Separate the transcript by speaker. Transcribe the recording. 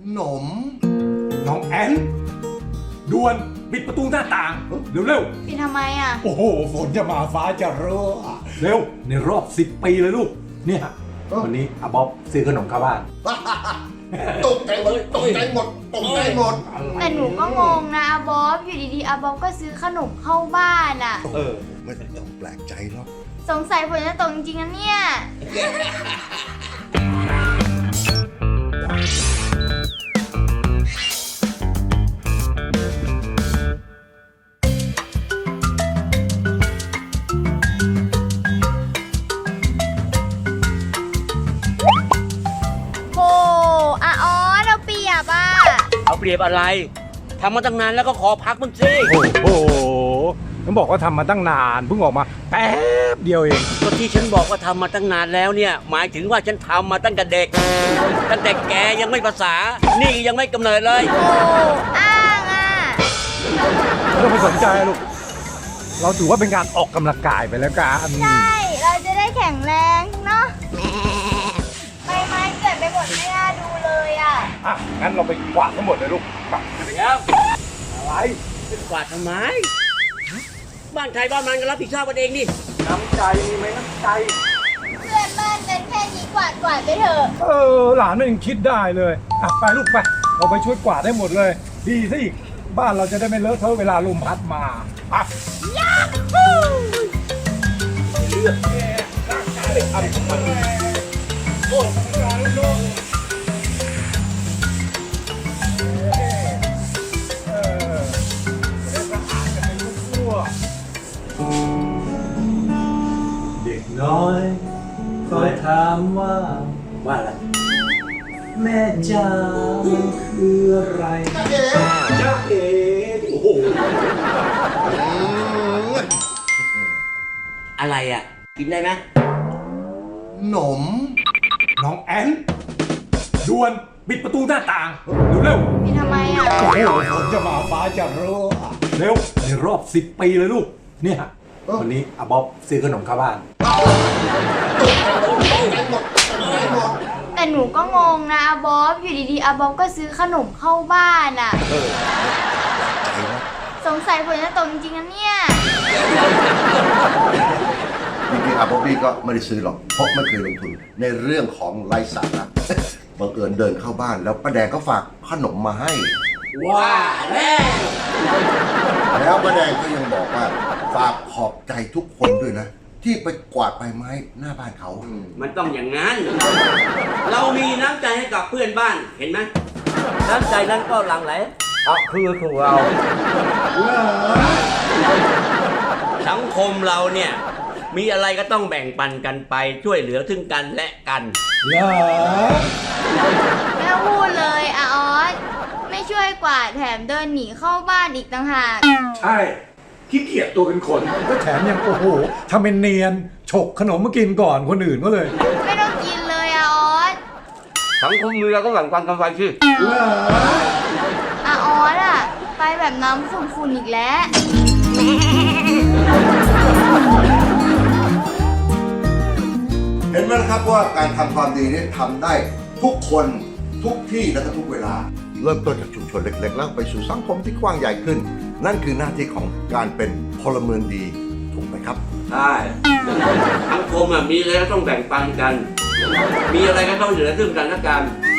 Speaker 1: หนม
Speaker 2: น้องแอนด่วนปิดประตูหน้าต่างเร็ว
Speaker 3: ปิดทำไมอ่ะ
Speaker 2: ๆโอ้โหฝนจะมาฟ้าจะรั่วเร็วในรอบ10 ปีเลยลูกเนี่ยวันนี้อาบ๊อบซื้อขนมเข้าบ้าน
Speaker 1: ตกใจหมดตกใจหมดตกใจหมด
Speaker 3: แต่หนูก็งงนะอาบ๊อบอยู่ดีๆอาบ๊อบก็ซื้อขนมเข้าบ้านอ่ะ
Speaker 1: ไม่ต้องแปลกใจหรอก
Speaker 3: สงสัยฝนจะตกจริงๆนะเนี่ย โหอาออสเราเปียบอ่ะ
Speaker 4: เอาเปรียบอะไรทำมาตั้งนานแล้วก็ขอพักบ้างสิ
Speaker 2: โอ้โหต้องบอกว่าทำมาตั้งนานเพิ่งออกมาแป๊บเดียวเอง
Speaker 4: ก็ที่ฉันบอกว่าทำมาตั้งนานแล้วเนี่ย หมายถึงว่าฉันทำมาตั้งแต่เด็ก ตั้งแต่แกยังไม่ภาษา นี่ยังไม่กำเนิดเลย
Speaker 3: โอ้อ้างอ่ะ
Speaker 2: ไม่ต้องไปสนใจลูกเราถือว่าเป็นการออกกำลังกายไปแล้วกัน
Speaker 3: ใช่ เราจะได้แข็งแรงเนาะใบไม้เกิดไปหมดไม่น่าดูเลยอ่ะ
Speaker 2: อ่ะงั้นเราไปกวาดทั้งหมดเลยลูกไป
Speaker 4: เดี๋ยว
Speaker 2: อะไร
Speaker 4: จะกวาดทำไม บ้านใครบ้านมันก็รับผิดชอบกันเองนี่
Speaker 2: น้ำใจมีไหมน้ำใจ
Speaker 3: เพื่อนบ้านเป็นแค่นี้กวาดไปเถอะ
Speaker 2: หลานมันยังคิดได้เลยอ่ะไปลูกไปเราไปช่วยกวาดได้หมดเลย ดีซะอีกบ้านเราจะได้ไม่เลอะเทอะเวลาลมพัดมาอ่ะเลือกแค่ร่างกายทำมันโอ้ยทำงานลูกเด็กน้อยคอยถามว่าอะไร แม่จ๋ามันคืออะไรจ๊ะเอ๋โอ้โห
Speaker 4: อะไรอ่ะ กินได้ไหม
Speaker 1: หนม
Speaker 2: น้องแอนด่วนปิดประตูหน้าต่างเร็ว
Speaker 3: ปิดทำไมอ่ะ
Speaker 2: ๆโอ้โหฝนจะมาฟ้าจะรั่วเร็วในรอบ10 ปีเลยลูกเนี่ยวันนี้อาบ๊อบซื้อขนมเข้าบ้าน
Speaker 3: แต่หนูก็งงนะอาบ๊อบอยู่ดีๆอาบ๊อบก็ซื้อขนมเข้าบ้านอ่ะ
Speaker 1: ใจนะ
Speaker 3: สงสัยฝนจะตกจริงๆนะเนี่ย
Speaker 1: จริงๆอาบ๊อบบี้ก็ไม่ได้ซื้อหรอกเพราะไม่เคยลงทุนในเรื่องของไร้สาระบังเอิญเดินเข้าบ้านแล้วป้าแดงก็ฝากขนมมาให้
Speaker 4: ว้าแล้ว
Speaker 1: แล้วป้าแดงก็ยังบอกว่าฝากขอบใจทุกคนด้วยนะ ที่ไปกวาดใบไม้หน้าบ้านเขา
Speaker 4: มันต้องอย่างนั้น เรามีน้ำใจให้กับเพื่อนบ้าน เห็นไหมน้ำใจนั้นก็หลั่งไหลคือของเรา สังคมเราเนี่ย มีอะไรก็ต้องแบ่งปันกันไปช่วยเหลือซึ่งกันและกัน
Speaker 2: เหรอ
Speaker 3: ไม่ต้องพูดเลยอาออสไม่ช่วยกวาดแถมเดินหนีเข้าบ้านอีกต่างหาก
Speaker 2: ใช่ขี้เกียจตัวเป็นคนก็แถมยังโอ้โหทำเป็นเนียนฉกขนมมากินก่อนคนอื่นก็เลย
Speaker 3: ไม่ต้องกินเลยอาออส
Speaker 4: สังคมมีเราก็แบ่งปันกันไปสิ
Speaker 2: เหรอ
Speaker 3: อาออสอ่ะไปแบบน้ำฝุ่นๆอีกแล้ว
Speaker 1: เห็นไหมนะครับว่าการทำความดีนี่ทำได้ทุกคนทุกที่และก็ทุกเวลา เริ่มต้นจากชุมชนเล็กๆ แล้วไปสู่สังคมที่กว้างใหญ่ขึ้น นั่นคือหน้าที่ของการเป็นพลเมืองดีถูกไหมครับ
Speaker 4: ใช่สังคมมีอะไรก็ต้องแบ่งปันกัน มีอะไรก็ต้องเหลือซึ่งกันและกัน